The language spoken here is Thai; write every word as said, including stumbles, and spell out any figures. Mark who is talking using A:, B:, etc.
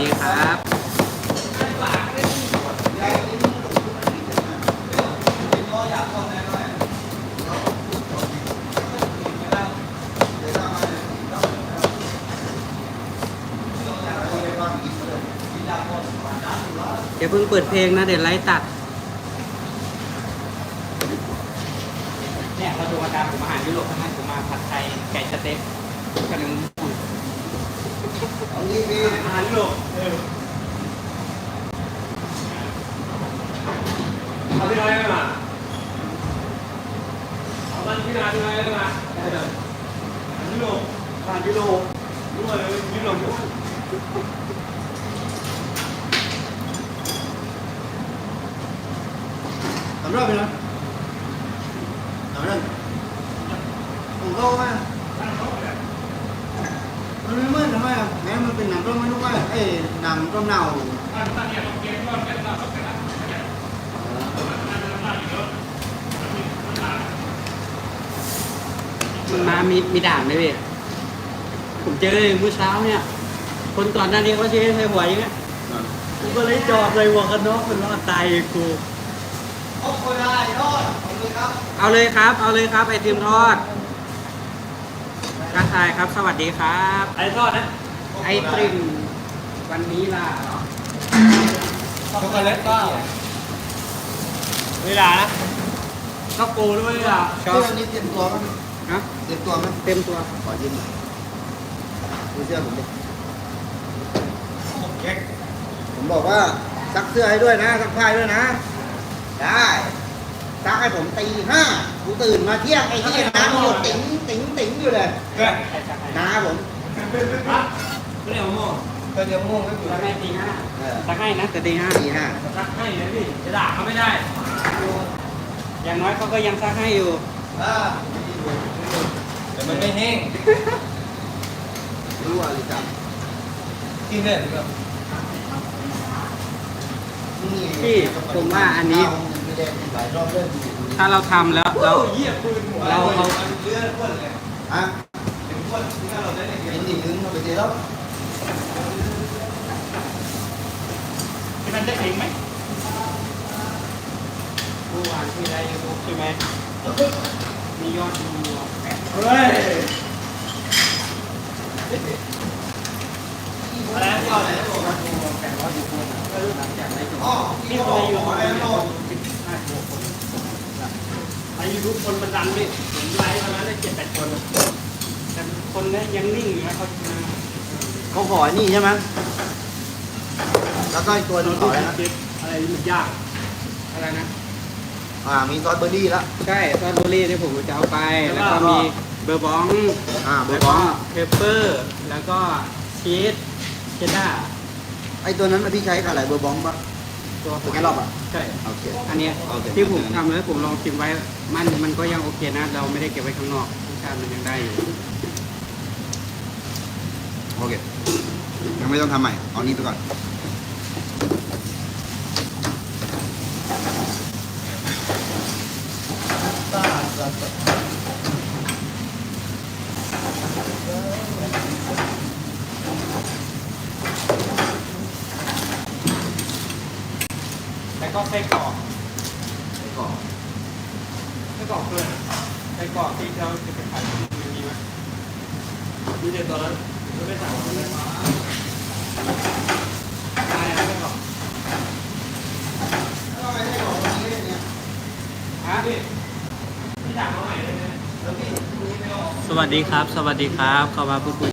A: ดีครับเดี๋ยวเพิ่งเปิดเพลงนะเดี๋ยวไลฟ์ตัดเนี่ยเราดูอาการผมอาหารยุโรปทั้งนั้นผมมาผัดไทยไก่สเต็กกระนึงอาหารยุโรปเอาพี่น้อยได้มาเอาบ้านพี่น้อยพี่น้อยได้มาได้เลยอาหารยุโรปอาหารยุโรปด้วยยุโรปด้วย
B: ทำรอบไปแล้วทำนั่นผมก็ว่ามันไม่เหมือนทำไมอ่ะแม้มันเป็นหนังร่มไม่รู้ว่าเอ้หนังร่มเน่า
A: มันมามีมีด่างไหมพี่ผมเจอเลยเมื่อเช้าเนี่ยคนก่อนหน้านี้เขาเชื่อใส่หัวอย่างเงี้ยกูก็เลยจอดเลยหัวกันน็อกมันรอดตายกู
B: โอ้โหได้รอดเอาเลยครับ
A: เอาเลยครับ เอาเลยครับ ไอติมทอดกระชายครับ สวัสดีครับ
C: ไอ้ทอดนะ
A: ไอติมวันนี้ล่ะ
C: ช็อกโกแลตก็เวลานะช็อกโกด้วยอ่ะ
A: ชอ
B: เสื้
A: บ
B: อนี้เต็มตัวมั้ย
A: ฮะ
B: เต็มตัวมั้ย
A: เต็มตัว
B: ขอยืมหน่อยดูเสื้อผมดิผมบอกว่าซักเสื้อให้ด้วยนะซักผ้าด้วยนะได้ซักให้ผมตีห้ากูตื่นมาเที่ยงไอ้ที่น้ำหยดติ๋งติ๋งติ๋งอยู่เลยน้าผม
C: ไม่ได้เอาหม้อ
B: ก็เดี๋ยวโม่งก็อยู่
A: ถ้าแม่ตีห้า
B: เออ
A: สักให้นะแต่ตีห้า
B: ตีห้า
C: ซักให้นะพี่จะด่าเขาไม่ได้
A: อย่างน้อยเขาก็ยังซักให้อยู่
B: อ่า
C: แต่มันไม่แห้ง
B: รู้ว่าเลยจับ
C: กินได้หรือเปล่า
A: พี่ผมว่าอันนี้
B: ไม่ได้หลายรอบเรื่อง
A: ถ้าเราทำแล้วเรา
C: เหี้ยปืนหัว
A: เราเอา
C: เลือดข้นเลย
B: ฮะ
C: ถึงข้นที่เราได้เนี่ย
B: เห็นดิลึงมาไปเจอแล้ว
C: ที่มันได้เองไหม
A: เมื่อวานที่ได้ยูทูบใช่ไหมมียอดดูแปด
C: เฮ้ยอะไรนะก่อนเลย
A: แปดร้อยยูทูบหลังจากได้จบ
B: อ๋อ
A: นี่คนในยูทูบเนี่ยสิบห้าคน
C: ไอ้ยูทูบคนมันดันนี่ผมไลฟ์มาแล้วได้เจ็ดแปดคน
A: แต่คนเนี้ยังนิ่งอยู่นะเขามา
B: เขาขอนี่ใช่ไหมแล้วก็อีกตัวหนึงขออะไรนะ
C: เจ็ดอะไรมันยาก
A: อะไรนะ
B: อ่ามีซอสเบอร์รี่แล้ว
A: ใช่ซอสโรลี่ที่ผมจะเอาไป แล้วก็มีเบอร์บอง
B: อ่าเบอ
A: แล้ว
B: ร์บ
A: ก็
B: อง
A: เพปเปอร์ แล้วก็ชีสเชดดาร์
B: ไอตัวนั้นน่ะพี่ใช้กับอะไรเบอร์บองปะ
A: ตัว
B: ตัวแค่รอบอ่ะ
A: ใช่
B: โอเค
A: อันเนี้ย
B: โอเค
A: ที่ผมทำแล้วผมลองชิมไว้ มันมันก็ยังโอเคนะ เราไม่ได้เก็บไว้ข้างนอกรสชาติมันยังได้อยู่
B: โอเคยังไม่ต้องทำใหม่เอานี้ไปก่อน
A: แล้วก็ไส้กรอก
B: ก่อน
A: ไส้กรอกเลยไส้กรอกที่เราจะไปขายมันมีไหม
C: มีเด็กตอนนั้นไม่ได้สั่งเลย
A: ได้นะไส้กรอกฮะ
C: พี่สั่งมาใหม่เลยนะ
A: สวัสดีครับ สวัสดีครับเข้ามาพูดคุย